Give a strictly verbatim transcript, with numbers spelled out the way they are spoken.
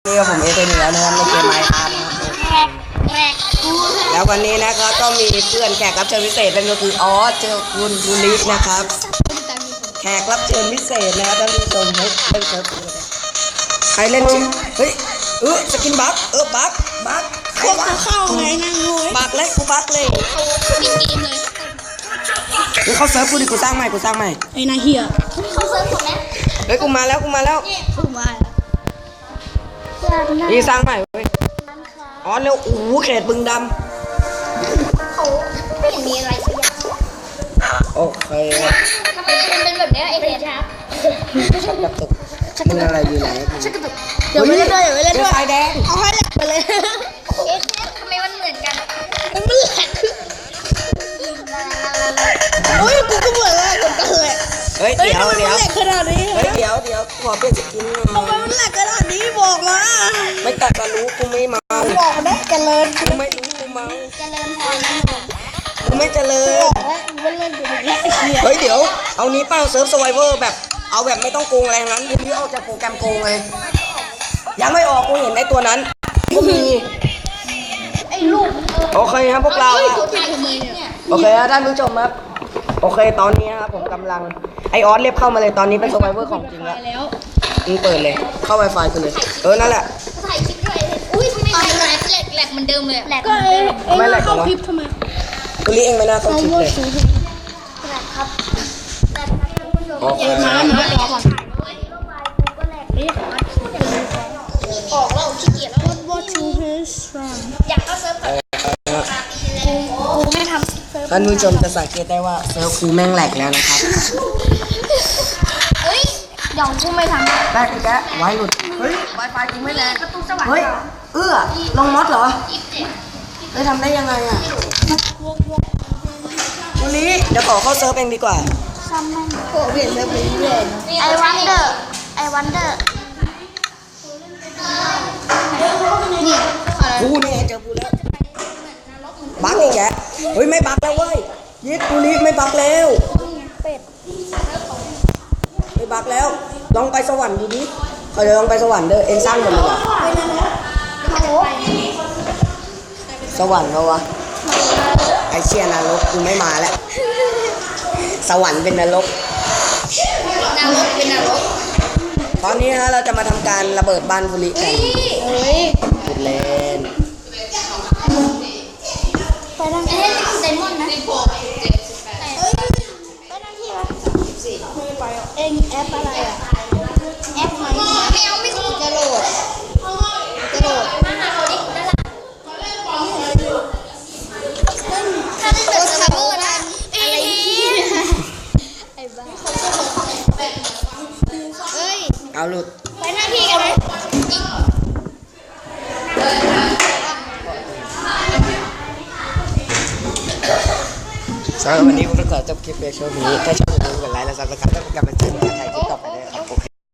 นี่ก็ผมเอเธอร์เหนือนะครับในเกมไมค์ครับแล้ววันนี้นะครับก็มีเพื่อนแขกรับเชิญพิเศษนั่นก็คือออสเจอคุณบุริศนะครับแขกรับเชิญพิเศษนะครับท่านผู้ชมเฮ้ยเล่นเซิร์ฟใครเล่นชื่อเฮ้ยเออสกินบักเออบักบักพวกกูเข้าไงนั่งงูบักเลยกูบักเลยกูเข้าเซิร์ฟกูดิกูสร้างใหม่กูสร้างใหม่ไอ้นายเฮียเขาเซิร์ฟผมนะเฮ้ยกูมาแล้วกูมาแล้วกูมานี่สร้างใหม่เว้ยอ๋อเร็วโอ้โหเขตบึงดำเขาไม่เห็นมีอะไรสักอย่างโอเคทำไมมันเป็นแบบนี้ไอเดียครับชักกระตุกมึงอะไรอยู่ไหนชักกระตุกเดี๋ยวไม่เล่นด้วยเดี๋ยวไม่เล่นด้วยไฟแดงเอาให้แหลกไปเลยเอ๊ะทำไมมันเหมือนกันมันแหลกโอ้ยกูก็เหมือนแหลกเหมือนกันเลยเฮ้ยเดี๋ยวเดี๋ยวแหลกขนาดนี้เฮ้ยเดี๋ยวเดี๋ยวขอเปลี่ยนสกินทำไมมันแหลกขนาดนี้บอกมาไม่ตัดมารู้กูไม่เมาบอกได้เจริญกูไม่รู้กูเมาเจริญพรนะกูไม่เจริญเฮ้ยเดี๋ยวเอานี้เป้าเซิร์ฟสไวเวอร์แบบเอาแบบไม่ต้องโกงอะไรนั้นกูนี้ออกจากโปรแกรมโกงเลยยังไม่ออกกูเห็นไอ้ตัวนั้นกูมีไอ้ลูกโอเคครับพวกเราโอเคครับท่านผู้ชมครับโอเคตอนนี้ครับผมกำลังไอออสเรียบเข้ามาเลยตอนนี้เป็นสไวเวอร์ของจริงแล้วมึงเปิดเลยเข้า Wi-Fi กันเลยเออนั่นแหละถ่ายคลิปด้วยอุ้ยทำไมแหลกแหลกแหลกเหมือนเดิมเลยแหลกก็เองไม่แหลกเข้าคลิปทำไมกูรีเองไม่น่าเข้าคลิปเลยแหลกครับแหลกครับโอเคมาแล้วมาแล้วก่อนออกแล้วขี้เกียจแล้ว What to his friend อยากเข้าเซิร์ฟกูไม่ทำเซิร์ฟท่านผู้ชมจะสังเกตได้ว่าเซิร์ฟกูแม่งแหลกแล้วนะครับเฮ้ยเดี๋ยวกูไม่ทำแหลกอีกแล้วไว้หลุดเฮ้ย Wi-Fi กูไม่แรงประตูสวรรค์เฮ้ยเอื้อลงมอสเหรอเฮ้ยทำได้ยังไงอ่ะวันนี้เดี๋ยวขอเข้าเซิร์ฟเองดีกว่าซ้ำมันโอ้เปลี่ยนเซิร์ฟไปเรื่อยไอวันเดอร์ไอวันเดอร์นี่กูนี่เจอกูแล้วบั๊กอีกแกเฮ้ยไม่บั๊กแล้วเว้ยยิดกูนี่ไม่บั๊กแล้วไม่บั๊กแล้วลองไปสวรรค์ดูดิเขาจะลองไปสวรรค์เด้อเอ็นสร้างหมดเลยอ่ะสวรรค์เหรอวะไอเชี่ยนรกกูไม่มาแล้วสวรรค์เป็นนรกนรกเป็นนรกตอนนี้ฮะเราจะมาทำการระเบิดบ้านบุรีกันพูดเล่นไปทางเอ้ยไดมอนด์นะเฮ้ยไปทางที่วะไม่ไปอ่ะเอ็งแอปอะไรอ่ะแอปไหนไม่เอาไม่ถูกจะโหลดจะโหลดมาหาเขาดินั่นแหละถ้าได้เจอคัฟเวอร์นะอะไรไอ้บ้าเฮ้ยเอาหลุดไปหน้าที่กันไหมสำหรับวันนี้ผมก็ขอจบคลิปเพียงเท่านี้ถ้าชอบอย่าลืมกดไลค์และซับสไครป์และเป็นกำลังใจให้ถ่ายคลิป